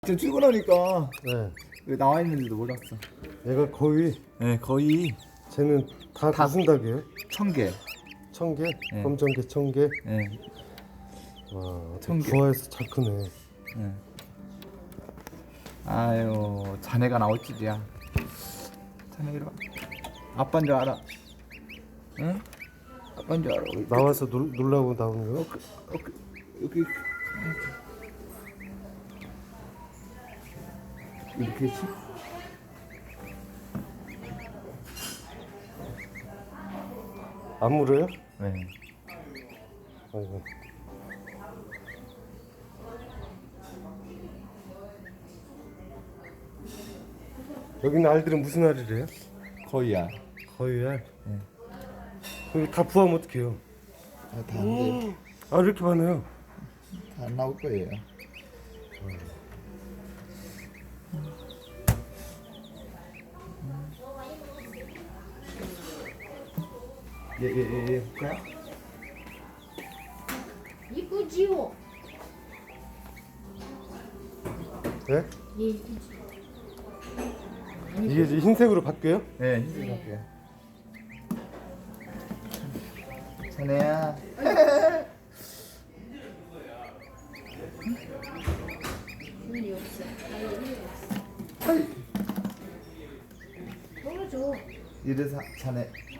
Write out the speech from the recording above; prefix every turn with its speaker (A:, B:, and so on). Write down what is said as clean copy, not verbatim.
A: 지금 출근하니까
B: 네.
A: 왜 나와 있는지도 몰랐어.
B: 얘가 거의
A: 네, 거의
B: 쟤는 다
A: 다-
B: 무슨 닭이에요?
A: 1000개.
B: 1000개?
A: 네.
B: 검정개 1000개?
A: 네,
B: 와,
A: 1000개.
B: 부화해서 잘 크네.
A: 네. 아유, 자네가 나올 줄이야. 자네 이리 와. 아빠인 줄 알아. 응? 아빠인 줄 알아. 여기,
B: 나와서 놀라고 나오는 거?
A: 여기 이렇게 치?
B: 안 물어요?
A: 네.
B: 아이고. 여기는 알들은 무슨 알이래요?
A: 거의야.
B: 거의 알?
A: 네.
B: 여기 다 부화하면 어떡해요?
A: 다 안 돼.
B: 아, 이렇게 많아요.
A: 다 안 나올 거예요. 얘 볼까요?
C: 이쁘지요?
B: 네?
C: 예, 이쁘지.
B: 이게 이제 흰색으로 바뀌어요?
A: 네, 흰색 할게요. 자네야.
C: 눈이 없어. 눈이 없어. 떨어져.
A: 이래서 자네